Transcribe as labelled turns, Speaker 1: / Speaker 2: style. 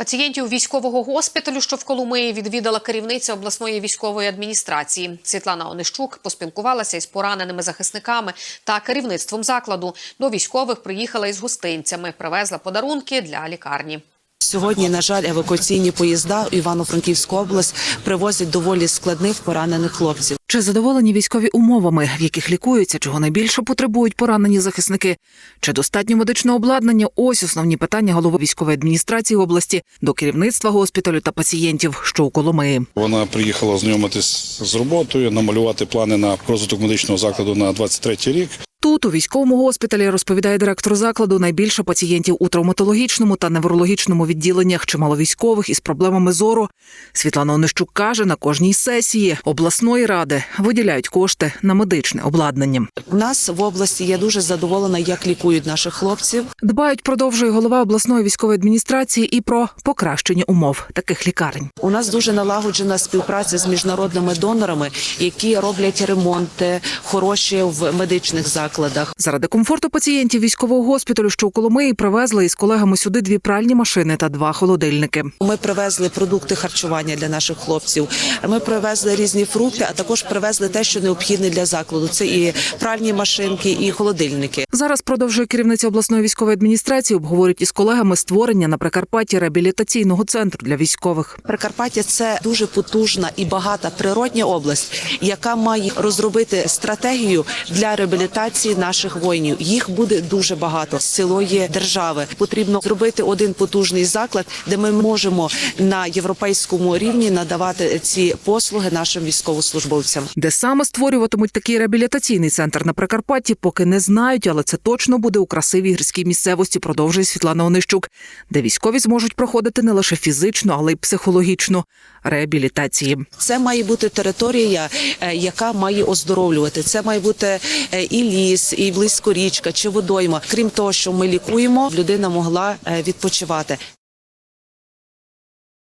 Speaker 1: Пацієнтів військового госпіталю, що в Коломиї, відвідала керівниця обласної військової адміністрації. Світлана Онищук поспілкувалася із пораненими захисниками та керівництвом закладу. До військових приїхала із гостинцями, привезла подарунки для лікарні.
Speaker 2: Сьогодні, на жаль, евакуаційні поїзда в Івано-Франківську область привозять доволі складних поранених хлопців.
Speaker 3: Чи задоволені військові умовами, в яких лікуються, чого найбільше потребують поранені захисники? Чи достатньо медичного обладнання? Ось основні питання голови військової адміністрації області до керівництва госпіталю та пацієнтів, що у Коломиї.
Speaker 4: Вона приїхала ознайомитись з роботою, намалювати плани на розвиток медичного закладу на 23-й рік.
Speaker 3: Тут, у військовому госпіталі, розповідає директор закладу, найбільше пацієнтів у травматологічному та неврологічному відділеннях, чимало військових із проблемами зору. Світлана Онищук каже, на кожній сесії обласної ради виділяють кошти на медичне обладнання.
Speaker 2: У нас в області я дуже задоволена, як лікують наших хлопців.
Speaker 3: Дбають, продовжує голова обласної військової адміністрації, і про покращення умов таких лікарень.
Speaker 2: У нас дуже налагоджена співпраця з міжнародними донорами, які роблять ремонти хороші в медичних закладах.
Speaker 3: Заради комфорту пацієнтів військового госпіталю, що у Коломиї, привезли із колегами сюди 2 пральні машини та 2 холодильники.
Speaker 2: Ми привезли продукти харчування для наших хлопців, ми привезли різні фрукти, а також привезли те, що необхідне для закладу. Це і пральні машинки, і холодильники.
Speaker 3: Зараз, продовжує керівниця обласної військової адміністрації, обговорюють із колегами створення на Прикарпатті реабілітаційного центру для військових.
Speaker 2: Прикарпаття – це дуже потужна і багата природня область, яка має розробити стратегію для реабілітації наших воїнів. Їх буде дуже багато з цілої держави. Потрібно зробити один потужний заклад, де ми можемо на європейському рівні надавати ці послуги нашим військовослужбовцям.
Speaker 3: Де саме створюватимуть такий реабілітаційний центр на Прикарпатті, поки не знають, але це точно буде у красивій гірській місцевості, продовжує Світлана Онищук, де військові зможуть проходити не лише фізичну, але й психологічну реабілітації.
Speaker 2: Це має бути територія, яка має оздоровлювати. Це має бути і ліс, і близько річка чи водойма. Крім того, що ми лікуємо, людина могла відпочивати.